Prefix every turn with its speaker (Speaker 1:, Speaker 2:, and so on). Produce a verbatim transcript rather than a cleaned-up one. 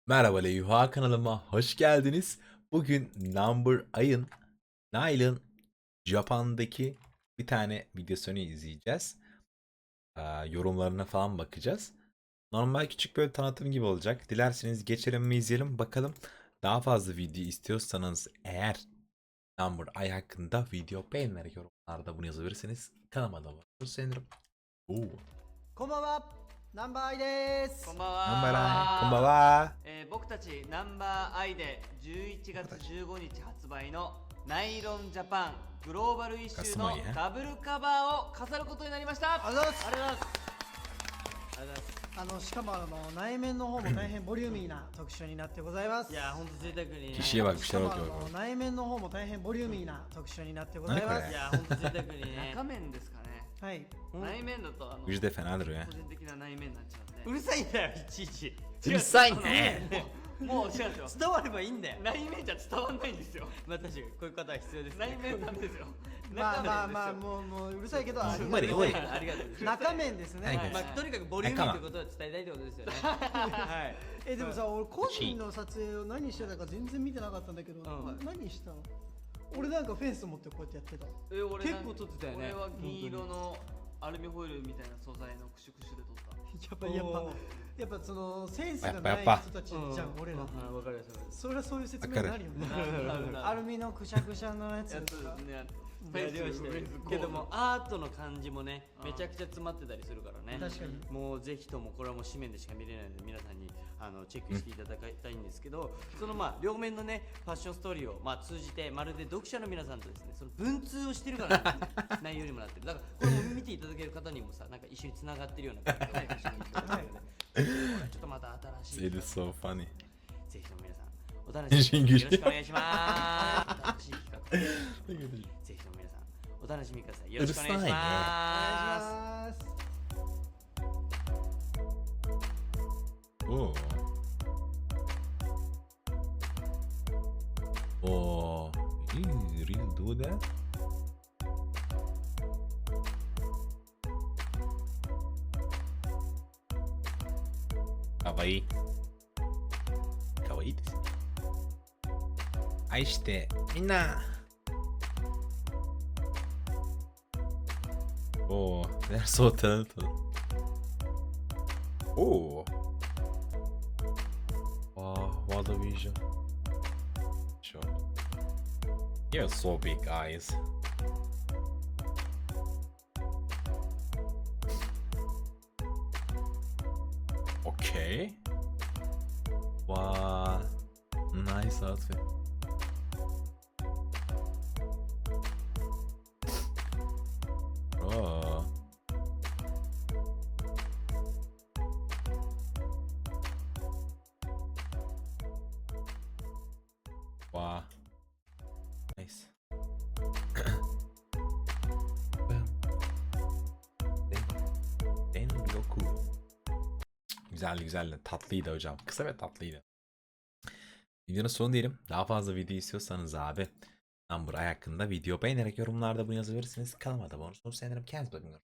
Speaker 1: Merhaba Leyha kanalıma hoş geldiniz. Bugün Number Ay'ın Nile'ın Japan'daki bir tane videosunu izleyeceğiz. Ee, yorumlarına falan bakacağız. Normal küçük böyle tanıtım gibi olacak. Dilerseniz geçelim mi izleyelim bakalım. Daha fazla video istiyorsanız eğer Number Ay hakkında video beğenerek yorumlarda bunu yazabilirsiniz. Kanalıma da abone olursanız sevinirim. Oo.
Speaker 2: こんばんは、ナンバーアイです。
Speaker 3: こんばん
Speaker 1: Number Ay,
Speaker 3: は。
Speaker 1: こんばんは。
Speaker 3: えー僕たちナンバーアイでじゅういちがつじゅうごにち発売のナイロンジャパングローバルイッシュのダブルカバーを飾ることになりました。
Speaker 2: ありがとうございます
Speaker 3: ありがとうございます。ありがとうございます。
Speaker 2: あのしかもあの内面の方も大変ボリューミーな特集になってございます。
Speaker 3: いや本当贅沢にね。
Speaker 1: Kişiye bak bir
Speaker 2: しか
Speaker 1: şeyler
Speaker 2: もあ
Speaker 1: okuyor.
Speaker 2: の内面の方も大変ボリューミーな特集になってございま
Speaker 1: 何これ
Speaker 2: す。
Speaker 3: いや本当贅沢にね。中面ですかね。
Speaker 2: はい。
Speaker 3: 内面だとあの
Speaker 1: Gücü de fenadır ya.
Speaker 3: 個人的な内面になっちゃうんで。
Speaker 4: うるさいんだよいちいち
Speaker 1: うるさいね。
Speaker 3: もう違うんですよ。
Speaker 4: 伝わればいいんだよ。
Speaker 3: 内面じゃ伝わんないんですよ。
Speaker 4: まあ確かにこういう方は必要です、ね、
Speaker 3: 内面なんですよ。
Speaker 2: まあまあまあ
Speaker 3: 中面ですよ。
Speaker 2: もうもううるさいけどあり
Speaker 1: 無理無理
Speaker 4: ありがとうございます。
Speaker 2: 中面ですね。
Speaker 1: はい
Speaker 4: まあとにかくボリューミーってことを伝えたいってことですよね。はい。
Speaker 2: えでもさ俺個人の撮影を何してたか全然見てなかったんだけど、
Speaker 4: うん
Speaker 2: 何したの？俺なんかフェンス持ってこうやってやってた。
Speaker 3: え俺
Speaker 4: 結構撮ってたよね
Speaker 3: 俺は銀色のアルミホイルみたいな素材のクシュクシュで撮った。
Speaker 2: やっぱやっぱやっぱそのセンスが
Speaker 1: やっ
Speaker 2: ない
Speaker 1: ぱやっぱ
Speaker 2: 人たちじゃん俺ら。
Speaker 4: はいわかります。
Speaker 2: それはそういう説明になるよね。
Speaker 3: あ
Speaker 2: アルミのくしゃくしゃのやつ
Speaker 3: やつ
Speaker 2: ですか。
Speaker 3: ね。
Speaker 4: フェイスしてけどもアートの感じもねめちゃくちゃ詰まってたりするからね。
Speaker 2: 確かに。
Speaker 4: もうぜひともこれはもう紙面でしか見れないので皆さんにあのチェックしていただきたいんですけど、そのまあ両面のねファッションストーリーをまあ通じてまるで読者の皆さんとですねその文通をしてるから、ね、内容にもなってる。だからこれも見ていただける方にもさなんか一緒につながってるような感じがちょっとまた新しい
Speaker 1: It is so funny.
Speaker 4: ぜひとも皆さんお楽しみによろしくお願いします。新しい企画ぜひとも皆さんお楽しみください。よろしくお願いし
Speaker 2: お願いし
Speaker 4: ま
Speaker 2: ます。
Speaker 1: Oh. Oh. You really do that? Kawaii. Kawaii ですね。愛してみんな。Oh, they're so talented. Oh. Wow, what a vision. Sure. You have so big eyes. Okay. Wow. Nice outfit. Oh. Wow. Nice. Den Goku. Güzeldi güzeldi. Tatlıydı hocam. Kısa ve tatlıydı. Videonun sonu diyelim. Daha fazla video istiyorsanız abi Number Ay hakkında video beğenerek yorumlarda bunu yazabilirsiniz. Kanalıma da abone olursanız sevinirim. Kendinize bakın.